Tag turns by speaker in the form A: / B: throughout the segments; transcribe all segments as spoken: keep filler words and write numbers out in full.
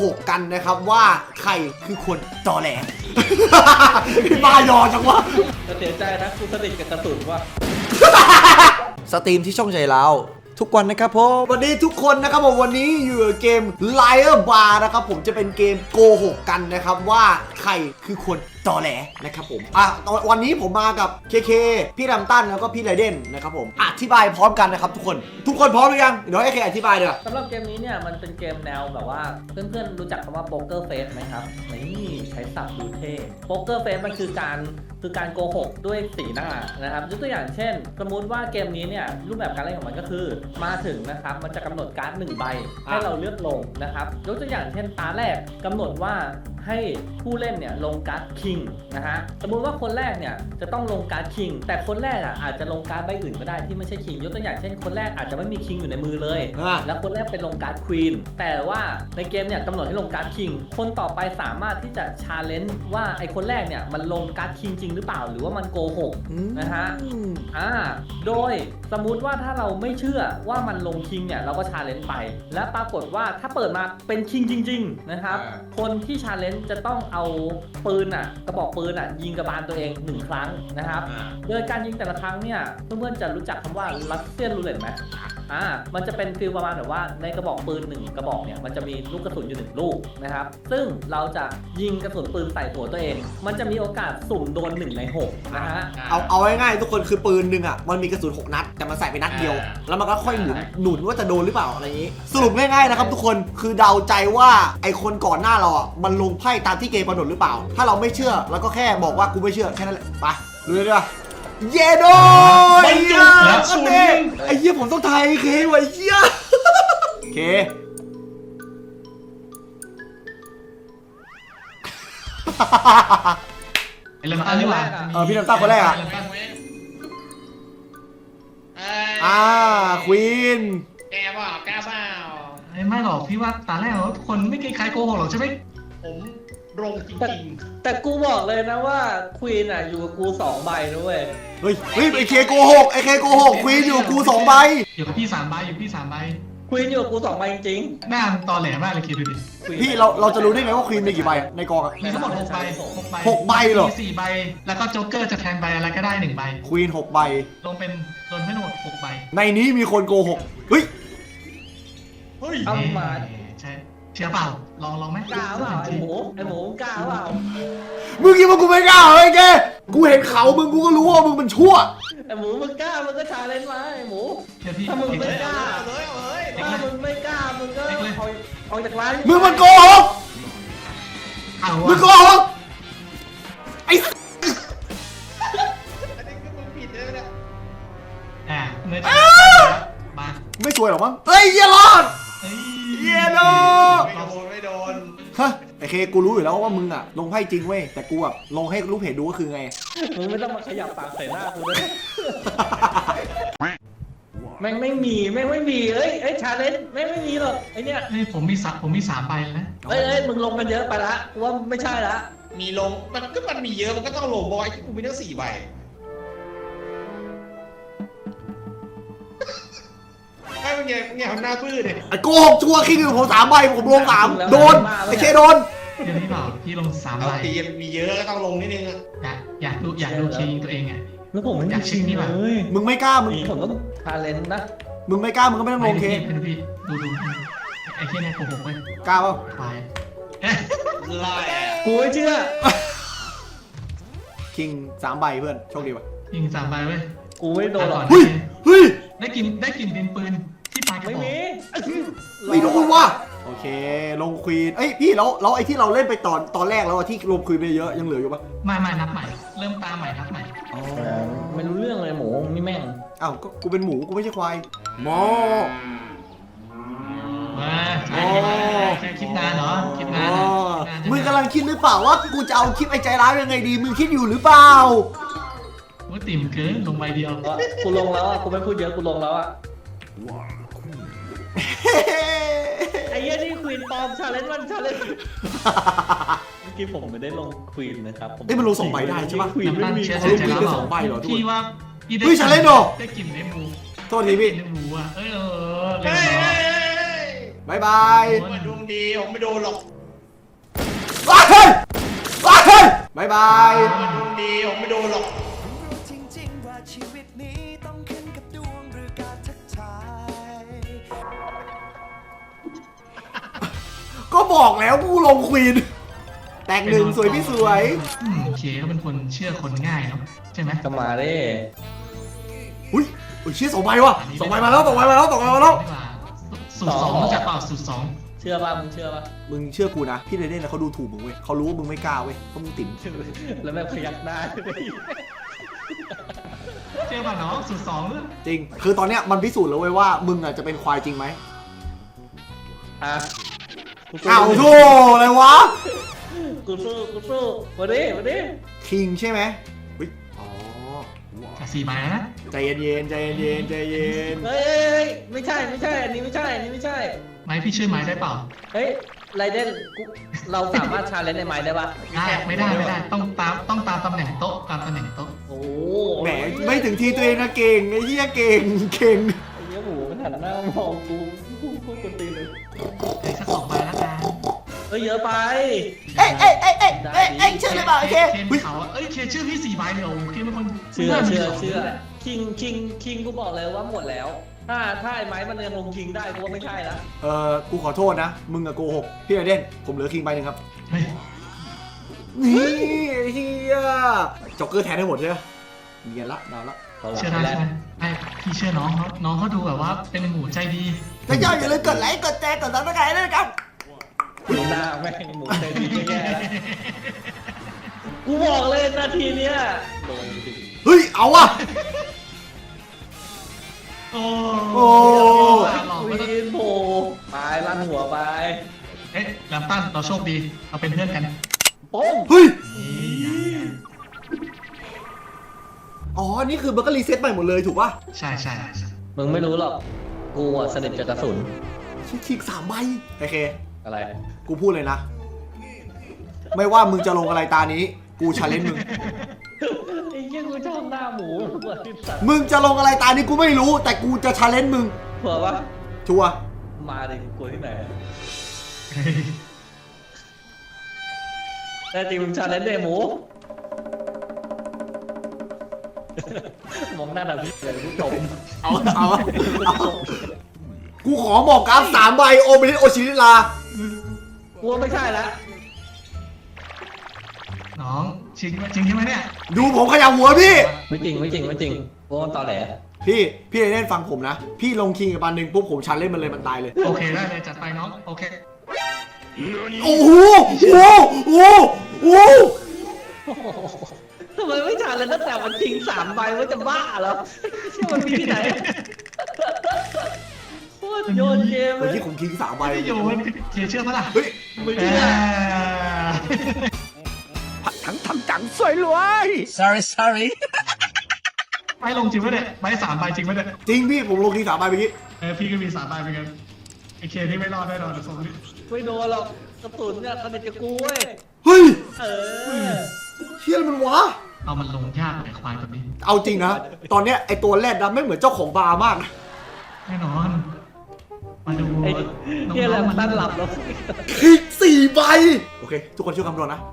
A: หกกันนะครับว่าใครคือคนตอแหล บ้ายอจังวะ
B: เสียใจนะกูสนิทกับกระสุนว่า
A: สตรีมที่ช่องใจเราทุกวันนะครับผมวันนี้ทุกคนนะครับผมวันนี้อยู่เกม Liar Bar นะครับผมจะเป็นเกมโกหกกันนะครับว่าใครคือคนตอแหลนะครับผมอ่ะวันนี้ผมมากับเคเคพี่รัมตันแล้วก็พี่ไรเดนนะครับผมอธิบายพร้อมกันนะครับทุกคนทุกคนพร้อมหรือยังเดี๋ยวให้เคอธิบายเดี๋ยว
B: สำหรับเกมนี้เนี่ยมันเป็นเกมแนวแบบว่าเพื่อนๆรู้จักคำว่าโป๊กเกอร์เฟสไหมครับนี่ใช้ศัพท์ดูเท่โป๊กเกอร์เฟสมันคือการคือการโกหกด้วยสีหน้านะครับยกตัวอย่างเช่นสมมุติว่าเกมนี้เนี่ยรูปแบบการเล่นของมันก็คือมาถึงนะครับมันจะกำหนดการ์ดหนึ่งใบให้เราเลือกลงนะครับยกตัวอย่างเช่นตาแรกกำหนดว่าให้ผู้เล่นเนี่ยลงการ์ดคิงนะฮะสมมุติว่าคนแรกเนี่ยจะต้องลงการ์ดคิงแต่คนแรกอ่ะอาจจะลงการ์ดใบอื่นก็ได้ที่ไม่ใช่คิงยกตัวอย่างเช่นคนแรกอาจจะไม่มีคิงอยู่ในมือเลยแล้วคนแรกเป็นลงการ์ดควีนแต่ว่าในเกมเนี่ยกำหนดให้ลงการ์ดคิงคนต่อไปสามารถที่จะชาเลนจ์ว่าไอคนแรกเนี่ยมันลงการ์ดคิงจริงหรือเปล่าหรือว่ามันโกหกนะฮะอ่าโดยสมมุติว่าถ้าเราไม่เชื่อว่ามันลงคิงเนี่ยเราก็ชาเลนจ์ไปและปรากฏว่าถ้าเปิดมาเป็นคิงจริงๆนะครับคนที่ชาเลนจ์จะต้องเอาปืนอ่ะกระบอกปืนอ่ะยิงกระบาลตัวเองหนึ่งครั้งนะครับโดยการยิงแต่ละครั้งเนี่ยเพื่อนๆจะรู้จักคำว่ารัสเซียนรูเล็ตไหมอ่ามันจะเป็นฟีลประมาณแบบว่าในกระบอกปืนหนึ่งกระบอกเนี่ยมันจะมีลูกกระสุนอยู่หนึ่งลูกนะครับซึ่งเราจะยิงกระสุนปืนใส่หัวตัวเองมันจะมีโอกาสสุ่มโดนหนึ่งในหกนะฮะ
A: เอาเอาง่ายๆทุกคนคือปืนหนึ่งอ่ะมันมีกระสุนหกนัดแต่มันใส่ไปนัดเดียวแล้วมันก็ค่อยหมุนหนุนว่าจะโดนหรือเปล่าอะไรอย่างนี้สรุปง่ายๆนะครับทุกคนคือเดาใจว่าไอคนก่อนหน้าเราอ่ะมันลงไพ่ตามที่เกมกำหนดหรือเปล่าถ้าเราไม่เชื่อเราก็แค่บอกว่ากูไม่เชื่อแค่นั้นแหละไปดูเลยดีกว่าเยโดไอ้เหี้ยไอ้เหี้ยผมต้องไทยเคไว้เหี้ยเค
C: ไอ้เริ่มต้นนี่หว่า
A: เออพี่น้ำตาคนแรกอ่ะอ่าควีน
D: แกเปล่าแกเปล่า
C: ไม่หรอกพี่ว่าตาแรกทุกคนไม่เคยใครโกหกหรอกใช่ไหม
D: ผมลงจริง
B: ๆแต่กูบอกเลยนะว่าควีนอ่ะอยู่กับกูสองใบด้วย
A: เฮ้ยเฮ้ยไอเคโกหกไอเคโกหกควีนอยู่กูสองใบ
C: อยู่กับพี่สามใบอยู่พี่สามใบ
B: ควีนอยู่กับกูสองใบจริง
C: ๆหน้าตอแหลมากเลยคิดดูดิ
A: พี่เราเราจะรู้ได้ไงว่าควีนมีกี่ใบในกองอ่ะ
C: มีทั้งหมดหกใบหกใบ
A: หกใบเหรอ
C: สี่ใบแล้วก็โจ๊กเกอร์จะแทนใบอะไรก็ได้หนึ่งใบ
A: ควีนหกใบ
C: ลงเป็นลงให้ทั้งหมดหกใบ
A: ในนี้มีคนโกหกเฮ้ย
B: เฮ้ยเอามา
C: ใช่เชื่อเปล่าลองลองไหม
B: กล้าเปล่าไอหมูไอหมูกล้าเปล่า
A: มึงคิดว่ากูไม่กล้าเฮ้ยแกกูเห็นเขามึงกูก็รู้ว่ามึงมันชั่ว
B: ไอหมูมึงกล้ามึงก็ชาเลนจ์มาไอหมูถ้ามึงไม่กล้าถ้ามึงไม่กล้ามึงก็เอาเอาจากร้าน
A: มึงมันโกหกมึงโกหกไอ้
D: อันนี้คือมึงผิดเลยเนี่ย
C: อ่าเนื้อมา
A: ไม่สวยหรอมั้งเฮ้ยเยลอดเยโด
D: ไม่โดนไม่โดน
A: ฮะไอเคกูรู้อยู่แล้วว่ามึงอะลงไพ่จริงเว้ยแต่กูอะลงให้ลูกเพจดูก็คือไง
B: มึงไม่ต้องมาขยับปากใส่หน้ากูด้วยแม่งไม่มีแม่งไม่มีเอ้ยเอ้ยชาเลนจ์แม่งไม่มีหรอกไอเนี้ย
C: เฮ้ยผมมีสักผมมีสามใบนะ
B: เอ้ยเอ้ยมึงลงกันเยอะไปละกูว่าไม่ใช่ละ
D: มีลงมันก็มันมีเยอะมันก็ต้องลงบอยกูมีตั้งสี่ใบไอ้มึงไงมึงไงทำหน้าบื้อเลย
A: ไอ้โกหกชัวร์คิงอยู่ผมสามใบผมลงสามโดนไอ้เคโดน
C: เดี๋ยวนี้เปล่าพี่ลงสามใบ
D: ตีมีเยอะก็ต้องลงนิดนึง
C: อยากอยากดูอยากดูคิงตัวเองไง
B: แล้วผม
C: อยากชิงนี่แบบ
A: มึงไม่กล้ามึง
B: ผมต้องชาเลนจ์นะ
A: มึงไม่กล้ามึงก็ไม่ต้องลงเค
C: ดูดูดูไอ้เคเนี่ยโกหกไป
A: กล้าเปล่า
C: ไป
D: ไล่
B: กูไม่เชื่อ
A: คิงสามใบเพื่อนโชคดีว่ะ
C: คิงสามใบเว้ย
B: กูไม่โดนหรอก
A: เฮ้ยเฮ้ย
C: ได้กินได้กินดินปืนที่ปาก
B: ไม่มี
A: ไม่โดนว่ะโอเคลงควีนเอ้ยพี่แล้วแล้วไอ้ที่เราเล่นไปตอนตอนแรกแล้วที่ลงควีนไปเยอะยังเหลืออยู่ปะ
C: ไม่ไม่นับใหม่เริ่มตามใหม่นับใหม่
B: ไม่รู้เรื่องเลยหมูนี่แม่ง
A: อ้าวก็กูเป็นหมูกูไม่ใช่ควายหมอ
C: มาคลิปนานเหรอคลิปนาน
A: มึงกำลังคิดหรือเปล่าว่ากูจะเอาคลิปไอ้ใจร้ายยังไงดีมึงคิดอยู่หรือเปล่า
C: ว่าติ่มเกินลงใบเดียว
B: กูลงแล้วอ่ะกูไม่พูดเยอะกูลงแล้วอ่ะไอ้เหี้ยนี่ควีนปอมชาเลนจ์วันชาเลนจ์เมื่อกี้ผมไม่ได้ลงควีนนะครับ
A: เอ้ยมันลงสองใบได้ใช่ปะ
C: ควีนไม่มี
A: เขาลงควีนแค่สองใบเหรอ
C: พี่ว่า
A: เฮ้ยชาเลนจ์เหรอ
C: ได้กลิ่นในหมู
A: โทษทีพี่
C: ในหมูอ่ะเออเออ
A: บายบาย
D: ผมมาดวงดีผมไม่โดนหรอก
A: ว้ายเฮ้ยว้ายเฮ้ยบายบาย
D: ผมมาดวงดีผมไม่โดนหรอก
E: จริงๆว่าชีวิตนี้ต้องขึ้นกับดวงหรือการทักทาย
A: ก็บอกแล้วกูลงควีนแตกหนึ่งสวยพี่สวย
C: อืมเคเขาเป็นคนเชื่อคนง่ายเนาะใช่ไหม
B: ก็มาดิ
A: อุ้ยอุ้ยเชี่ยสองใบว่ะสองใบมาแล้วสองใบมาแล้วสองใบมาแล้ว
C: สูตรสองรู้จักเปล่าสูตรสอง
B: เชื่อป่ะมึงเชื่อป่ะ
A: มึงเชื่อกูนะพี่เรเดนนะเขาดูถูกมึงเว้ยเขารู้ว่ามึงไม่กล้าเว้ยเพราะมึงติ๋ม
B: แล้วแม่งพยักหน้า
C: เชื่อป่ะน้องสูตรสอง
A: จริงคือตอนเนี้ยมันพิสูจน์แล้วเว้ยว่ามึงอ่ะจะเป็นควายจริงไหม
B: อ่ะ
A: อ้าวโธ่อะไรวะ
B: กูสู้กูสู้มาดิมาดิ
A: คิงใช่ไหมอุ้ยอ๋อ
C: จากสี่ใบแล้วนะ
A: ใจเย็นๆใจเย็นๆใจเย็น
B: เฮ้ยไม่ใช่ไม่ใช่อันนี้ไม่ใช่อันนี้ไม่ใช่
C: ไม้พี่ช่วยไม้ได้เปล่า
B: เฮ้ยไรเดนกูเราสามารถชาเลนจ์ในไม้ได้ปะ
C: ได้ไม่ได้ไม่ได้ต้องตามต้องตามตำแหน่งโต๊ะตามตำแหน่งโต๊ะ
B: โอ้
A: แหมไม่ถึงทีตัวเองนะเก่งไอ้เหี้ยเก่งเก่ง
B: ไอ้เหี้ยหมูมันหันหน้ามองกูกูกูกูตีเลย
C: ไอ้สักสองใบแล้วกัน
B: เฮ้ยเยอะไป
A: เอ้ยเอ้ยเอ้ยเอ้ยเอ้ยเอ้ยเชื่อเลยเปล่าโอเค
C: เคน
A: อุ้ย
C: เขาเอ้ยเคชื่อพี่สี่ใบเลยโอ้เคเป็นคน
B: เชื่อเชื่อเชื่อคิงคิงคิงกูบอกเลยว่าหมดแล้ว ถ้าถ้าไอ้ไม้มันยังลงคิงได้กูว่าไม่ใช่ละ
A: เออกูขอโทษนะมึงอะโกหกพี่เรเดนผมเหลือคิงใบหนึ่งครับ
C: เฮ้ย
A: นี่ไอ้เฮียจ็อกเกอร์แทนให้หมดใช่ไหมเนียนละนานละ
C: เชื่อได้ใช่ไหมไอ้พี่เชื่อน้องเขาน้องเขาดูแบบว่าเป็นหมูใจดี
A: ถ้าย่าอย่าลืมกดไลค์กดแชร์กดซับสไครต์ด้วยนะครับ
B: หน้าแม่งหมูเต็มที่แย่แล้วกูบอกเลยนาทีเนี้ยโดนจริง
A: เฮ้ยเอาว่ะ
C: โอ้
A: โอ้
C: หลอก
B: ค
C: ไม่ต้อง
B: วีนโผล่ไปลั่นหัวไป
C: เอ๊ะแลมตันเราโชคดีเราเป็นเพื่อนกัน
B: ป้ง
A: เฮ้ย
C: นี่
A: อ๋อนี่คือมันก็รีเซ็ตใหม่หมดเลยถูกป่ะ
C: ใช่ใช่ใช่
B: มึงไม่รู้หรอกกูอะสนิทกับกระสุน
A: ชิคิกสามใบโอเค
B: อะไร
A: กูพูดเลยนะ ไม่ว่ามึงจะลงอะไรตานี้ กูชาเลนจ์มึง
B: ไอ้เหี้ยกูชอบหน้าหมูเหมือนที่สัตว์
A: มึงจะลงอะไรตานี้กูไม่รู้ แต่กูจะชาเลนจ์มึง
B: เผื่อว่า
A: ชัวร์
B: มาดิกูกลัวที่ไหน
C: เฮ้ย
B: แต่จริงมึงชาเลนจ์เดหมู มองหน้าแบบนี้เลยกูตบ
A: เอาเอาเอากูขอบอกกราฟสามใบโอเบริโอชิริลา
B: กูว่าไม่ใช่ละ
C: น้องจริงจริงใช่ไหมเนี่ย
A: ดูผมขยับหัวพี่
B: ไม่จริงไม่จริงไม่จริงกูว่าตอแหล
A: พี่ พี่เล่นฟังผมนะ พี่ลงคิงกับปันหนึ่งปุ๊บผมชาเลนจ์มันเลยมันตายเลย
C: โอเคได้เลยจัดไปน้องโอเค
A: โอ้โหโอ้โหโอ้โห
B: ทำไมไม่ชาเลนจ์ตั้งแต่มันจริงสามใบว่าจะบ้าเหรอที่มันมีที่ไหนโคตรโยนเกมเล
A: เมื่อย กี้ผมคิงสามใบ
C: ไม่อยู่มันเคเชื่อปะล่ะ
A: เฮ้ย
B: ไม่
C: เอ
B: เชื่อ
C: อ
A: ทั้งทำจังสวยรวย
E: sorry sorry
C: ไปลงจริงปะเนี่ยไปสามใบจริงปะเนี่ย
A: จริงพี่ผมลงคิงสามใบเมื่อกี้
C: เออพี่ก็มีสามใบเหมือนกันไอเคที่ไม่รอดแน่นอนเดี๋ยวส่งนี้
B: ไม่โดนหรอกกระสุนเนี่ยสนิทกับกูเว้ย
A: เฮ้ย
B: เออ
A: เชี่ยอะไรมันวะ
C: เอามันลงยากไอควายตัวนี้
A: เอาจริงนะ ตอนเนี้ยไอตัวแรดนะไม่เหมือนเจ้าของบาร์มากนะ
C: แน่นอนมาดู
B: ไอ้เฮียอะไรมันตั้งหลับแล้ว
A: คิงสี่ใบ โอเค ทุกคนช่วยคำนวณนะ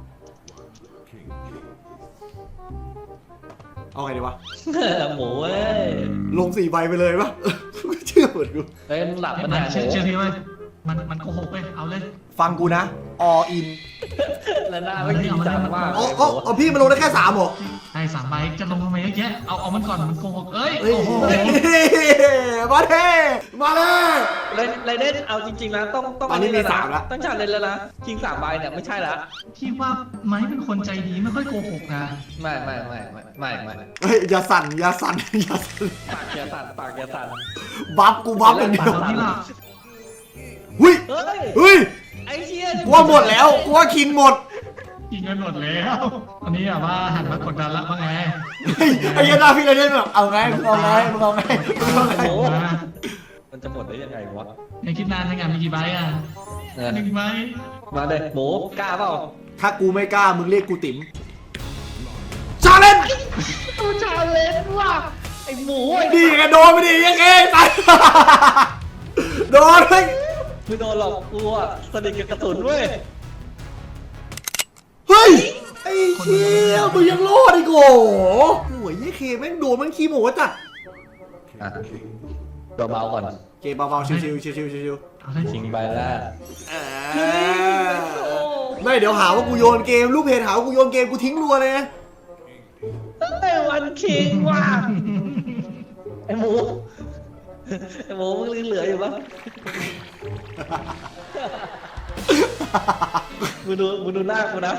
A: เอาไงดีวะ
B: หมูเว้ย
A: ลงสี่ใบไปเลยปะ เชื่อเหมือนกู
B: เฮ้ยมึงหลับ
C: มั
B: มัน
C: น
B: เนี่ยห
C: เชื่อ
B: มู
C: เชื่อพี่เว้ยมันมันโกหกเว้ยเอาเลย
A: ฟังกูนะ all in
B: แล้วหน้าไม่จริงจังมาก
A: อ๋ออ๋ออ๋อพี่มันลงได้แค่สามเหรอ
C: ไอ้สามใบจะลงทำไมเยอะแยะเอาเอามันก่อนมันโกหกเอ้ย
A: เฮ้ย
C: โอ้โห
A: มาเท่มาเลย
B: ไรไรเดนเอาจริงๆนะต้องต้อง
A: ตอนนี้มีสามละ
B: ต้องชาเลนแล้วนะคิงสามใบเนี่ยไม่ใช่ละ
C: พี่ว่าไม้เป็นคนใจดีไม่ค่อยโกหกนะ
B: ไม่ไม่ไม่ไม่ไม่ไม่
A: เฮ้ยอย่าสั่นอย่าสั่นอย่าสั่น
B: ปากอย่าสั่นปากอย่าสั่น
A: บัฟกูบัฟอย่างเดียว
C: ตอนนี้ล่ะ
A: หุ้ย
B: เฮ้ย
A: เฮ้ย
B: ไอ้เชี่ย
A: กูว่าหมดแล้วกูว่าคิงหมด
C: กินเงินหมดแล้วตอนนี้แบบว่าหันมากดดันละว่าไง
A: เฮ้ยไอ้ยันหน้าพี่เลยเนี่ยแบบเอาไงมึงเอาไงมึงเอาไงมึงเอาไง
B: โอ้
C: มา
B: มันจะหมดได้ยังไงวะ
C: ยังคิดนานในงานมีกี่ใบอ่ะ
B: เออ
C: หนึ่งใบ
B: มาเลยหมูกล้าเปล่า
A: ถ้ากูไม่กล้ามึงเรียกกูติ๋มชาเลนจ์
B: กูชาเลนว่ะไอ้หมูไอ้
A: ดีกันโดนไปดิยังไงตายโดนไป
B: ไม่โดนหรอกกูอะสนิทกับกระสุนเว้ย
A: เฮ้ยไอ้เชี่ยมึงยังรอดอีกโอ้โหโอ้ยยี่เคแม่งโดนแม่งขี้โมจัด
B: อ่ะเบาๆก่อน
A: เกมเบาๆชิวๆชิวๆชิว
C: เอาเลย
B: ชิงใบแรก
A: ๆอ่าไม่เดี๋ยวหาว่ากูโยนเกมลูกเพจหาว่ากูโยนเกมกูทิ้งรัวเลยนะ
B: ไอ้วันคิงว่ะไอ้หมูไอ้หมูมึงยังเหลืออยู่ปะมึงดูมึงดูหน้ากูนะ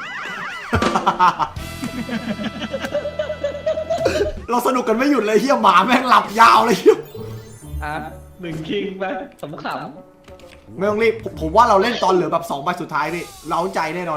A: เราสนุกกันไม่หยุดเลยเฮียหมาแม่งหลับยาวเลยเฮีย
B: อ่ะหนึ่งคิงไปขำข
A: ไม่ต้องรีบผมผมว่าเราเล่นตอนเหลือแบบสองใบสุดท้ายนี่เร้าใจแน่นอน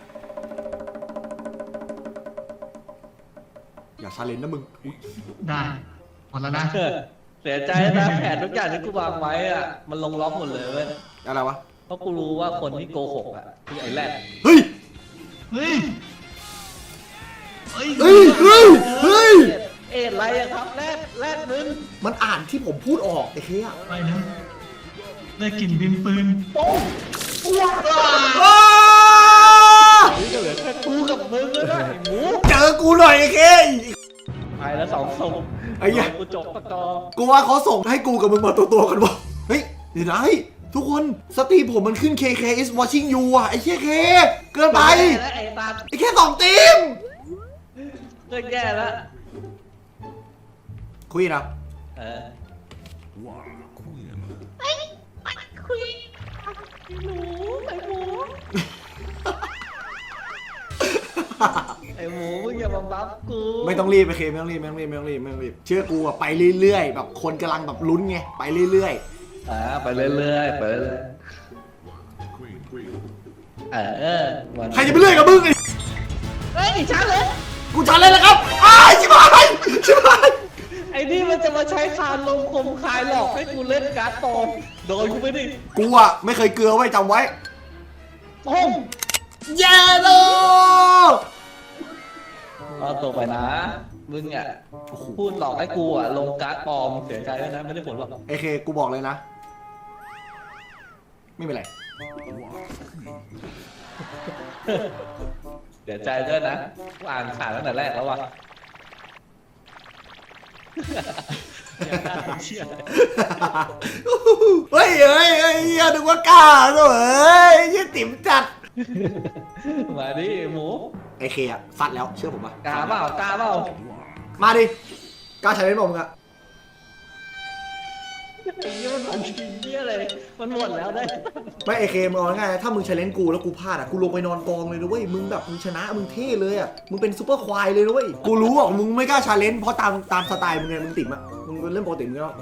A: อย่าชาเลนจ์นะมึงอุ๊ย
C: ได้หมดแล้วนะ
B: ำเสียใจนะแผนทุกอย่างที่กูวางไว้อะมันลงล็อกหมดเลยเว้ย
A: อะไรวะ
B: เพราะกูรู้ว่าคนที่โกหกอ่ะคือไอ้แรด
A: เฮ้ย
C: เฮ้ย เฮ้ย
A: เฮ้ยเฮ้ยเฮ้ย
B: เอ็ดไรอะครับแรดแรดมึง
A: มันอ่านที่ผมพูดออกไอ้เฮีย
C: ไปนะได้กลิ่นดินปืน
B: โป้ง
A: อ้า
B: นี่ก็เหลือแค่กูกับมึงแล้วนะไอ้หมู
A: เจอกูหน่อยไอ้เค
B: ไปแล้วสองศพ
A: ไอ้เหี้ย
B: กูจบตะกอ
A: กูว่าเขาส่งให้กูกับมึงมาตัวตัวๆกันวะเฮ้ยเดี๋ยวนะเฮ้ยทุกคนสตรีมผมมันขึ้น เค เค is watching you อ่ะไอ้เชี่ยเคเกินไป
B: แล้วไอ้ตา
A: ไอ้แค่สองทีม
B: เลิกแย่แล้ว
A: คุยนะ
B: เออไอ้หมูมึงอย่ามาบัฟกู
A: ไม่ต้องรีบไปเคไม่ต้องรีบไม่ต้องรีบไม่ต้องรีบไม่ต้องรีบเชื่อกูอ่ะไปเรื่อยๆแบบคนกำลังแบบลุ้นไงไปเรื่อย
B: อ่าไปเรื่อยๆไปเรื่อยๆเออ
A: ๆใครจะไปเรื่อยกับมึงไอ้
B: เฮ้ยช้าเลย
A: กูชันเลยนะครับอ้ายชิบหายชิบหาย
B: ไอ้นี่มันจะมาใช้คานลมคมคายหลอกให้กูเล่นการ์ดปลอมโดนกูไม่ได้
A: กูอ่ะไม่เคยเกลือไว้จำไว้
B: ป้ง
A: เย้โล
B: เอาตัวไปนะ มึงอ่ะพูดหลอกให้กูอ่ะลงการ์ดปลอมเสียใจด้วยนะไม่ได้ผลหรอก
A: ไอเคกูบอกเลยนะ ไม่เป็นไร
B: เสียใจด้วยนะกูอ่านข่าวตั้งแต่แรกแล้วว่ะเชี่ย
A: เฮ้ยเฮ้ยเฮ้ยอย่านึกว่ากล้าซะเฮ้ยยี่ติ๋มจัด
B: มาดิหมู
A: ไอเคอะฟัดแล้วเชื่อผมป่ะ
B: กล้าเปล่ากล้าเปล่า
A: มาดิกล้าใช้เป็นบอกมึงอะ
B: ไอ้ยี่มันมันขี้เยี่ยเลยมันหมดแล้วได้
A: ไม่ไอเคมึงเอาง่ายๆถ้ามึงใช้เลนกูแล้วกูพลาดอะกูลงไปนอนกองเลยนะเว้ยมึงแบบมึงชนะมึงเท่เลยอะมึงเป็นซูเปอร์ควายเลยนะเว้ยกูรู้อ่ะมึงไม่กล้าชาเลนจ์เพราะตามตามสไตล์มึงไงมึงติ๋มอะมึงเป็นเรื่องปกติมึงแล้ว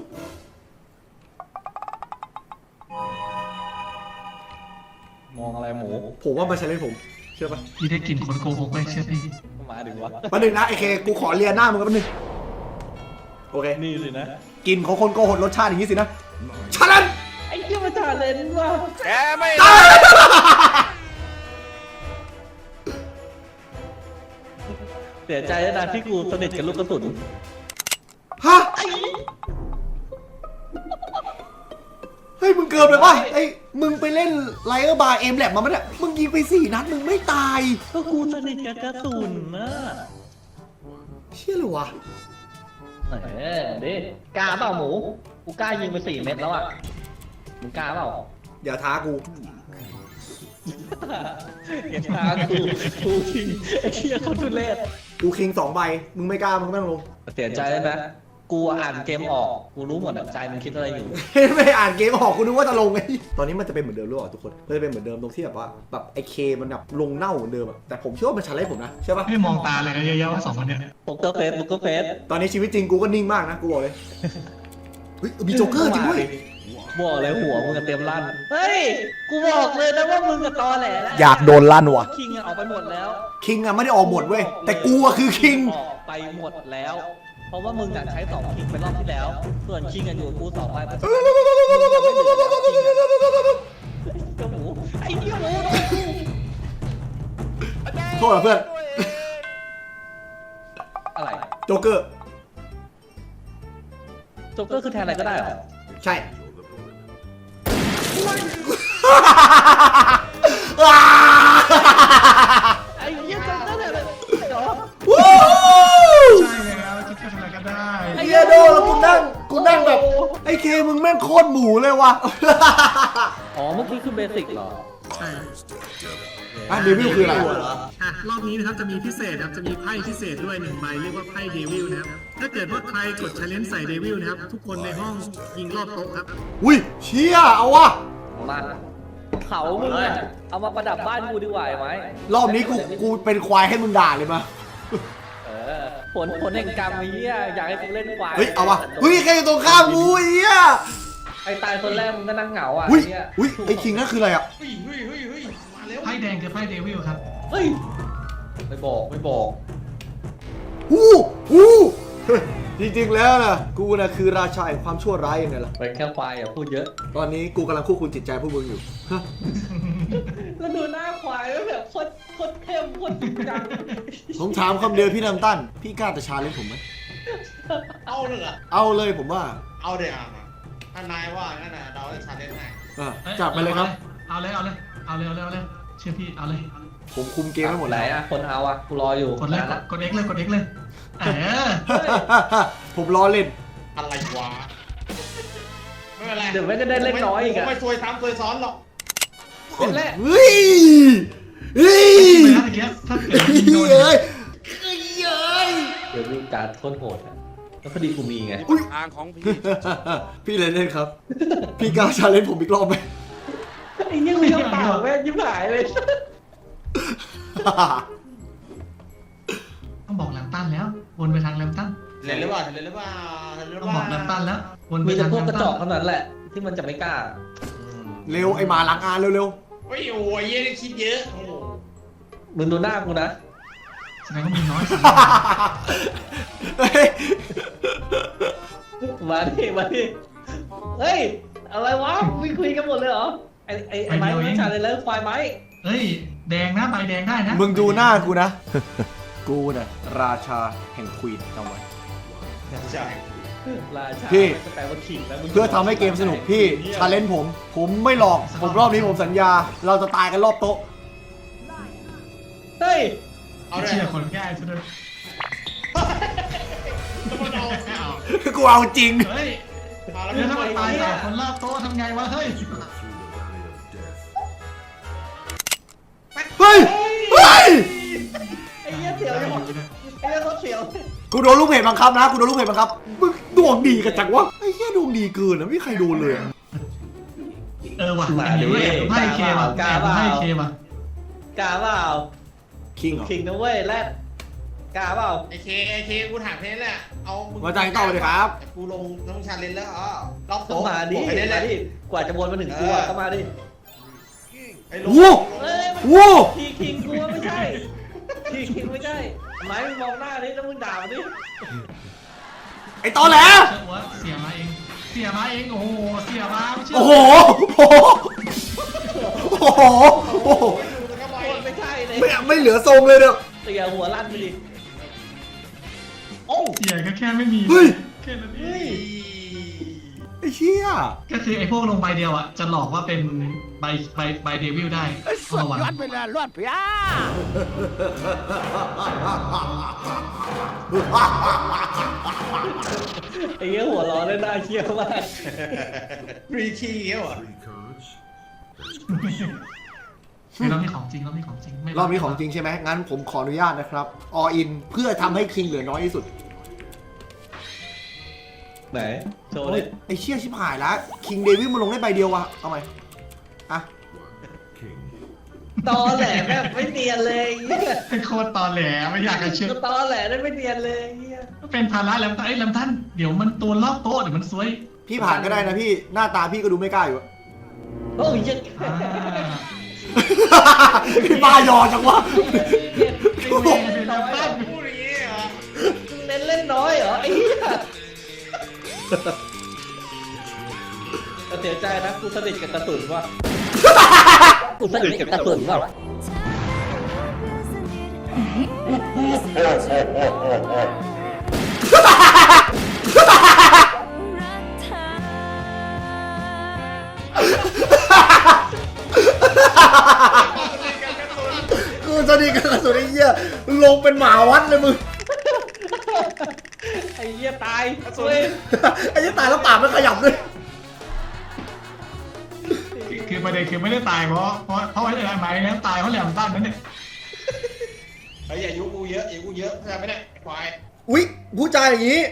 B: มองอะไรหมู
A: ผมว่ามันชาเลนจ์ผมเชื่อป่ะ
C: พี่ได้กลิ่นคนโกหกไปเชื่อพี่
B: มาดิวะ
A: ประหนึ่งนะไอเคกูขอเรียนหน้ามึงกันประหนึ่งโอเค
B: นี่สินะ
A: กินของคนโกหกรสชาติอย่างนี้สินะชาเลนจ์
B: ไอ้ยี่มันจ่าเลนว่ะ
F: แกไม่
B: เสียใจด้วยนะที่กูสนิทกับลูกกระสุน
A: ฮะเฮ้ยมึงเกินไปป่ะไอ้ยมึงไปเล่นไลเออร์บาร์เอ็มแลบมาไหมเนี่ยมึงยิงไปสี่นัดมึงไม่ตาย
B: ก็กูสนิทกับกระสุนนะ
A: เชี่ยเลยวะ
B: เออดิกล้าเปล่าหมูกูกล้ายิงไปสี่เม็ดแล้วอ่ะมึงกล้าเปล่า
A: อย่าท้ากู
B: เห็นทางกูกูทิ้งไอ้เหี้ยเขาทุเรศ
A: กูคิงสองใบมึงไม่กล้ามึงก็ไม่ต้องลง
B: เสียใจเลยนะกูอ่านเกมออกกูรู้หมดอะใจมึงคิดอะไรอยู่
A: ไม่อ่านเกมออกกูนึกว่าจะลงไงตอนนี้มันจะเป็นเหมือนเดิมหรือเปล่าทุกคนมันจะเป็นเหมือนเดิมตรงที่แบบว่าแบบไอเคมันแบบลงเน่าเหมือนเดิมอะแต่ผมเชื่อว่ามันชาเลนจ์ผมนะใช่ปะ
C: ไม่มองตาเลยนะเยอะๆว่าสองคนเนี้ย
B: โป๊กเกอร์เฟสโป๊กเกอร์เฟส
A: ตอนนี้ชีวิตจริงกูก็นิ่งมากนะกูบอกเลยเฮ้ยมีโจ๊กเกอร์จริงด้วย
B: บอกเลยหัวมึงจะเต็มลั่นเฮ้ยกูบอกเลยนะว่ามึงกับตอแหลแล้ว
A: อยากโดนลั่นว่ะ
B: คิงอะออกไปหมดแล้ว
A: คิงอะไม่ได้ออกหมดเว้ยแต่กูอะคือคิง
B: ออกไปหมดแล้ว เพราะว่ามึงอะใช้สองคิงไปรอบที่แล้ว ส่วนคิงอะอยู่กับกูสองไปเพราะฉะนั้นมึงจะไม่เหลือแล้วคิงอะเจ้าหมูไอ้เหี้ยหมู
A: โทษนะเพื่อน
B: อะไร
A: โจ๊กเกอร์
B: โจ๊กเกอร์คือแทนอะไรก็ได้เหรอ
A: ใช่
B: ไอ้เหี้ยจำได้เลยเหรอ
A: วู้
C: ใช่แล้วคิดจะทำอะไรก็ได้
A: ไอ้เหี้ยโดแล้วกูนั่งกูนั่งแบบไอ้เคมึงแม่งโคตรหมูเลยว่ะ
B: อ๋อเมื่อกี้คือเบสิกเหรอ
C: ใช่
A: อ่ะเดวิลคืออะไร
F: อ่ะรอบนี้นะครับจะมีพิเศษครับจะมีไพ่พิเศษด้วยหนึ่งใบเรียกว่าไพ่เดวิลนะครับถ้าเกิดว่าใครกดชาเลนจ์ใส่เดวิลนะครับทุกคนในห้องยิงรอบโต๊ะครับ
A: อุ้ยเชี่ยเอาวะ
B: มาเขามึงอะเอามาประดับบ้านกูดีกว่าไหม
A: รอบนี้กูกูเป็นควายให้มึงด่าเลยมา
B: เออผลผลแห่งกรรมไอ้เหี้ยอยากให้กูเล่นควาย
A: เฮ้ยเอาวะเฮ้ยใครอยู่ตรงข้ามกูไอ้เหี้ย
B: ไอ้ตายคนแรกมึงก็นั่งเหงาอ่ะ
A: อุ้ย
B: ไอ้เหี้ย
A: อุ้ยไอ้คิงนั่นคืออะไรอ่ะ
D: เฮ้ยเฮ้ยเฮ้ยเฮ้ยมาเร็ว
C: ไพ่แดงคือไพ่เดวิลครับ
B: เฮ้ยไม่บอกไม่บอก
A: ฮู้ฮู้จริงๆแล้วนะกูนะคือราชาแห่งความชั่วร้ายยังไงล่ะ
B: เป็นแค่ควายอย่าพูดเยอะ
A: ตอนนี้กูกำลังควบคุมจิตใจพวกมึงอยู่ฮะ
B: แล้วดูหน้าควายแล้วแบบโคตรโคตรเข้มโคตรจริงจัง
A: ผมถามคำเดียวพี่น้ำตั้นพี่กล้าจะชาเลนจ์ผมไหม
D: เอาเลยเหรอ
A: เอาเลยผมว่า
D: เอาเดี๋ยวอ่ะถ้านายว่างั้นน่ะเราจะชาเลนจ์ให้
A: อ่ะจับไปเลยครับ
C: เอาเลยเอาเลยเอาเลยเอาเลยเอาเลยเชื่อพี่เอาเลย
A: ผมคุมเกมให้หมด
B: ไหน
A: แล้ว
B: อ่ะคนเอาอ่ะกูรออยู่
C: กดเลย
B: นานละ
C: กด X เลยกด X เลยเออ
A: ผมล้อเล่น
D: อะไรวะไม่เป็นไร
B: เดี๋ยวไม่ได้เล่นน้อยอีก
D: ผม
B: อ่ะ
D: ไม่ซวยซ้ำซวยซ้อนหรอก
B: เล่นแรก
A: เฮ้ยเฮ้ย
C: ไปแล้วเมื่อกี้ถ้าเกิดยิงโดน
A: เฮ้ยเฮ้ยเฮ้ย
B: เดี๋ยวมีการโคตรโหดอะแล้วพอดีกูมีไง
A: อุ๊ยพี่เลยเล่นครับ พี่กล้าชาเลนจ์ผมอีกรอบไหม
B: ไอ้เหี้ยังมีน้ำเปล่าแม่งยิ้มหายเลย
C: ต้องบอกแลมตันแล้ววนไปทางแลมตัน
D: เล่นหรือเปล่าเล่นหรือเปล่าเล่นหรือ
C: ต้อง
D: เป
C: บอกแล
D: ล่าม
C: ตันแล้ววนไป
B: มีแต่
C: ทาง
B: พวก
C: แล
B: ก
C: ม
B: ระ
C: ตั
B: จ
C: น
B: อกเท่านั้นแหละ ที่มันจะไม่กล้า
A: เร็วไอ้หมาหลังอานเร็ว
D: เฮ้ยโอ้ยเย็นคิดเยอะโอ้โห
B: มึงดูหน้ากูนะ
C: แสดงว่ามีน้อยสุด
A: ๆเฮ้ย
B: มาดิมาดิเฮ้ย อะไรวะมีคุยกันหมดเลยเหรอ ไอ้ไอ้ไอ้ไม้ไม่ชาเลยแล้วควายไม้
C: เฮ้ยแดงนะใบแดงได้นะ
A: มึงดูหน้ากูนะ กูน่ะราชาแห่งควีนจำไว้
D: ใช่
B: ราชา
A: พี่
B: ไม่แปลว่าขิงแล้วมึง
A: เพื่อทำให้เกมสนุกพี่ชาเลนจ์ผม ผมไม่หลอก ผมรอบนี้ผมสัญญา เราจะตายกันรอบโต๊ะ
B: เฮ้ย
D: เอาเลย
C: เชื่อคนง่ายซะด้วย
D: ต้องเอาเอา
A: กูเอาจริง
C: เฮ้ย
D: มาแล้ว
C: เดี๋ยวถ้า
D: ไม่
C: มัน
D: ไป
C: ตาย
D: อ่ะ
C: จากคนรอบโต๊ะทำไงวะเฮ้ย
A: เฮ้ย เฮ้ย
B: ไอ้เหี้ยเสียวอยู่ไอ้เหี้ยเขาเสียว
A: กูโดนลูกเพจบังคับนะ กูโดนลูกเพจบังคับ มึงดวงดีกันจังวะ ไอ้เหี้ยดวงดีเกินนะไม่มีใครโดนเลยอะ
C: เออว่ะ
B: มาดิ
C: แอบดูให้เคว่ะ
B: กล้า
C: แอบ
B: เป
C: ดู
B: ล่า
C: ให้เคว่ะ
B: กล้าเปล่า
A: คิงเหรอ
B: ขิงนะเว้ยแรดกล้าเปล่า
D: ไอเคไอเคกูถามแค่นี้แหละเอามึง
A: มาจ่ายต่อเลยครับ
D: กูลงน้องชาเลนจ์แล้วอ๋อรอบ
B: ก็
D: โต๊ะ
B: มาดิ
D: บอกให้ได้
B: มา
D: เลย
B: ดิกว่าจะวนมาถึงกูอะก็มาดิ
D: ไอ้ลง
A: วู้
B: เอ้ยมัน
A: วู้
B: ทีคิงกูว่าไม่ใช่ทีคิงไม่ใช่ไม้มึงมองหน้าดิแล้วมึงด่ามันดิ
A: ไอ้ตอแหล
C: เชื่อว่าเสียมาเอง เสียมาเอง โอ้โห เสียมาไม่เชื่อ
A: โอ้โห โอ้โห โอ้โห
D: ดูแล้วก็ไป
B: โคตรไม่ใช่เลย
A: ไม่ไม่เหลือทรงเลยเนี่ย
B: เสียหัวลั่นไปดิโอ้
C: เสียก็แค่ไม่มี
A: เฮ้ย
C: แค่นั้นเอ
B: เฮ้ย
C: ง
A: ไอ้เชี่ย
C: ก็คือไอ้พวกลงใบเดียวอ่ะ จะหลอกว่าเป็นใบใบใบเดวิลได้เอาระวัง
B: ไอ้เงี้ยหัวร้อนเลยน่าเชี่ยวมาก
D: รีคีย์เงี้ยเหรอ
C: คือรอบนี้ของจริงรอบนี้ของจริงไม่
A: รอบนี้ของจริงใช่ไหมงั้นผมขออนุญาตนะครับออินเพื่อทำให้คิงเหลือน้อยที่สุด
B: ไหนโชว์
A: โอ้
B: เลย ย
A: ไอ้เชี่ยชิบหายแล้วคิงเดวิลมันลงได้ใบเดียววะเอาไหมอ่ะ
B: ตอแหลแบบไม่เนียนเลยเงี้ย
C: เป็นโคตรตอแหลไม่อยากจะเชื่อ
B: ก็ตอแหลได้ไม่เนียนเลยเงี้ย
C: เป็นภาระแลมตันไอ้ยแลมตันเดี๋ยวมันตัวรอบโต๊ะเดี๋ยวมันซวย
A: พี่ผ่านก็ได้นะพี่หน้าตาพี่ก็ดูไม่กล้าอยู่อะ
B: โอ้ยยัง
C: อ่า
A: พี่บายอจังวะ
C: ไอ้เวรเป็นแลมตัน
D: พูดอย่างนี้เหรอ
B: เน้นเล่นน้อยเหรอไอ้เหี้ยแต่เสียใจนะกูสนิทกับกระสุนว่ะกูสนิทกับกระสุนว่ะ
A: คกูสนิทกับกระสุนไอ้เหี้ยลงเป็นหมาวัดเลยมึง
B: ไอ้เหี้ยตายสวย
A: ไอ้เหี้ยตายแล้วปากไม่ขยับด้วย
C: คือประเด็นคือไม่ได้ตายเพราะเพราะเพราะไอ้อะไรไหมนั้นตายเพราะแหลมตั้นนั่นเนี่ย
D: เฮ้ยอย่ายุกูเยอะอย่ายุกูเยอะเข้าใจไหมเนี่ยควาย
A: อุ๊ยผู้ชายอย่างนี้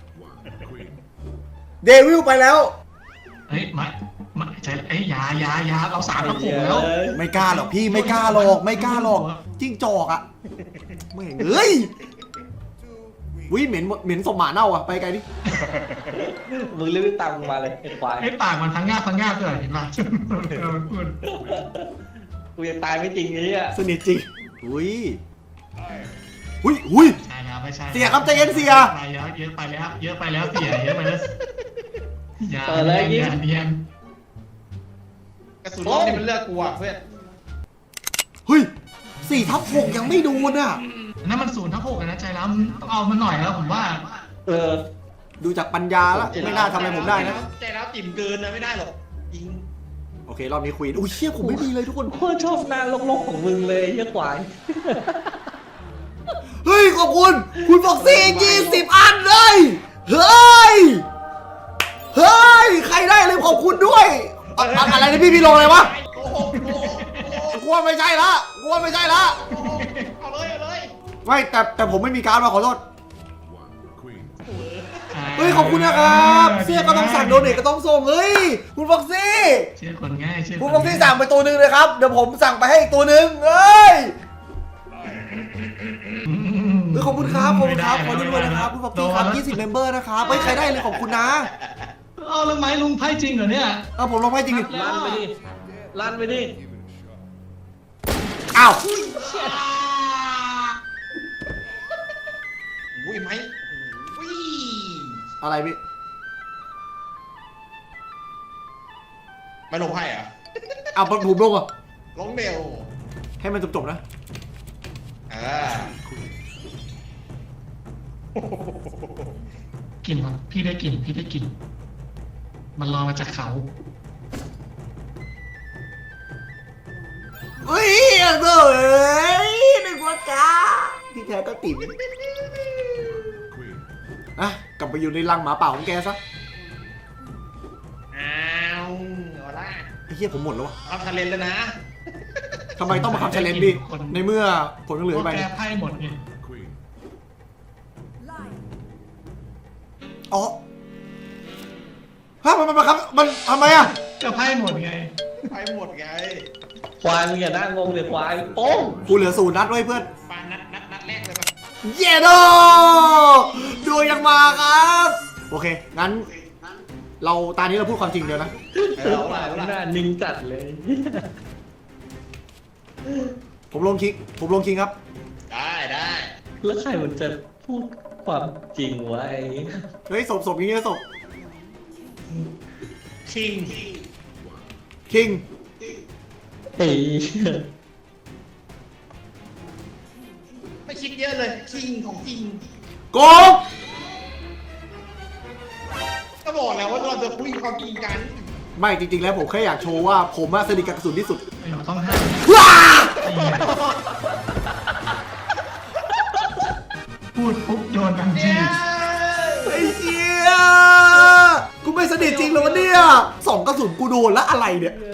A: เดวิลไปแล้ว
C: เฮ้ยไม่ไม่ใช่ไอ้ยายายาเราสามกระปุกแล้ว
A: ไม่กล้าหรอกพี่ไม่กล้าหรอกไม่กล้าหรอกจิ้งจอกอะไม่งเอ้ยวิเหม็นเหม็นสมหมาเน่าอะไปไกลดิ
B: มึงรีบตามมึงมาเลยไอ้ควาย
C: ไอ้ปากมันพังงาบพังงาบด้วยเห็นป่ะเออพูด
B: กูยังตายไม่จริงนี้อ่ะ
A: สนิทจริงอุ้ยอุ้ยอุ้ย
C: ใช่แล้วไม่ใช่
A: เสียครับใจเย็นเสีย
C: ไปแล้วเยอะไปแล้วเยอะไปแล้วเสียเยอะไปแล้วอย่า
B: เปิดเลยยิง
C: อย่าเนียน
D: กระสุนรอบนี้มันเลือกกูอ่ะเพื่อน
A: เฮ้ยสี่ทับหกยังไม่โดนอะ
C: นั่นมันศูนย์ทับหกนะใจร้ำต้องเอามันหน่อยแล้วผมว่า
B: เออ
A: ดูจากปัญญาแล้วไม่น่าทำอะไรผมได้นะ
D: ใจร้าวติ่มเกินนะไม่ได้หรอกจริง
A: โอเครอบนี้คุยอุ้ยเชี่ยผมไม่มีเลยทุกคน
B: โคตรชอบหน้าโลกๆของมึงเลยไอ้เหี้ยควาย
A: เฮ้ยขอบคุณ คุณบอกซี่ยี่สิบอันเลยเฮ้ยเฮ้ยใครได้เลยขอบคุณด้วยอะอะอะไรนะพี่พี่ลงอะไรวะ
D: โกหกโกหกโกหก
A: กลัวไม่ใช่ละกลัวไม่ใช่ละ
D: เอาเลยเอาเลย
A: ไม่แต่แต่ผมไม่มีการ์ดมาขอโทษเฮ้ยขอบคุณนะครับเสื้อก็ต้องสั่งโดเนทก็ต้องส่งเฮ้ยคุณฟ็อกซี่
C: เชื่อคนง่ายเชื่อ
A: คุณ
C: น
A: ฟ็อกซี่สั่งไปตัวหนึ่งเลยครับเดี๋ยวผมสั่งไปให้อีกตัวหนึ่งเฮ้ย
C: อืม
A: เฮ้ยขอบคุณครับขอบคุณครับขอ
C: ไม่
A: ด้วย
C: ได้
A: นะครับคุณฟ็อกซี่ครับ
C: โดน
A: ยี่สิบเมมเบอร์นะครับเฮ้ยใครได้เลยขอบคุณนะ
C: เอาแล้วไม้ลุงไพ่จริงเหรอเนี่ย
A: เอาผมลงให้จริงดิ
B: ลั่นไปดิลั่นไปดิ
A: อ้าว
D: อุ้ยไหมอุ้ย
A: อะไรพี่
D: ไม่ลงไพ่เหรอ่ะ
A: เอาผมลงอ่ะ
D: ลงเร็ว
A: ให้มันจบๆนะ
D: อ่าก
C: ลิ่นครับพี่ได้กลิ่นพี่ได้กลิ่นมันลอยมาจากเขา
A: เฮ้ยเอ้ยนึกว่าจ้าที่แท้ก็ติ๋มอ่ะกลับไปอยู่ในรังหมาป่าของแกซะ
D: อ้าวเอาละ
A: ไอ้เหี้ยผมหมดแล้ววะ
D: เอาทะเลนแล้วนะ
A: ทำไมต้องมาขับเชลเลนดิในเมื่อผลยังเหลือ
C: เพราะ
A: ไป
C: แกไพ่หมดไง
A: อ๋อฮะมันมันมันครับมันทำไมอ่ะ
C: ก็ไพ่หมดไง
D: ไพ่หมดไง
B: ควายมึงอย่าหน้างงเลยควายโป้ง
A: กูเหลือศูนย์นัดไว้เพื่อน
D: ปานัดนัดนัดแรกเลยปะ
A: เยโดดูยังมาครับโอเคงั้น เราตอนนี้เราพูดความจริงเดียวนะ
D: เอ
B: เอ
D: อ
B: อ
D: เอา
B: ควา
D: ละ
B: ย
D: เอา
B: ห
D: ละ
B: น้านิ่งจัดเลย
A: ผมลงคิกผมลงคิงครับ
D: ได้ได้
B: แล้วใครมันจะพูดความจริงวะไอ้
A: เฮ้ยศพศพอย่างนี้ศพ
D: คิง
A: คิง
B: ไอ้
D: ไม่คิดเยอะเลยคิงของจริง
A: โกง
D: ก็บอกแล้วว่าเราจะคุยความจริงกัน
A: ไม่จริงๆแล้วผมแค่อยากโชว์ว่าผมอะสนิทกับกระสุนที่สุด
C: ไม่ต้องห้าม
A: ว้า
C: ไอ้เหี้ยพูดปุ๊บโยนทันที
A: ไอ้เหี้ยกูไม่สนิทจริงเหรอวะเนี่ยสองกระสุนกูโดนแล้วอะไรเนี่ย
B: เอ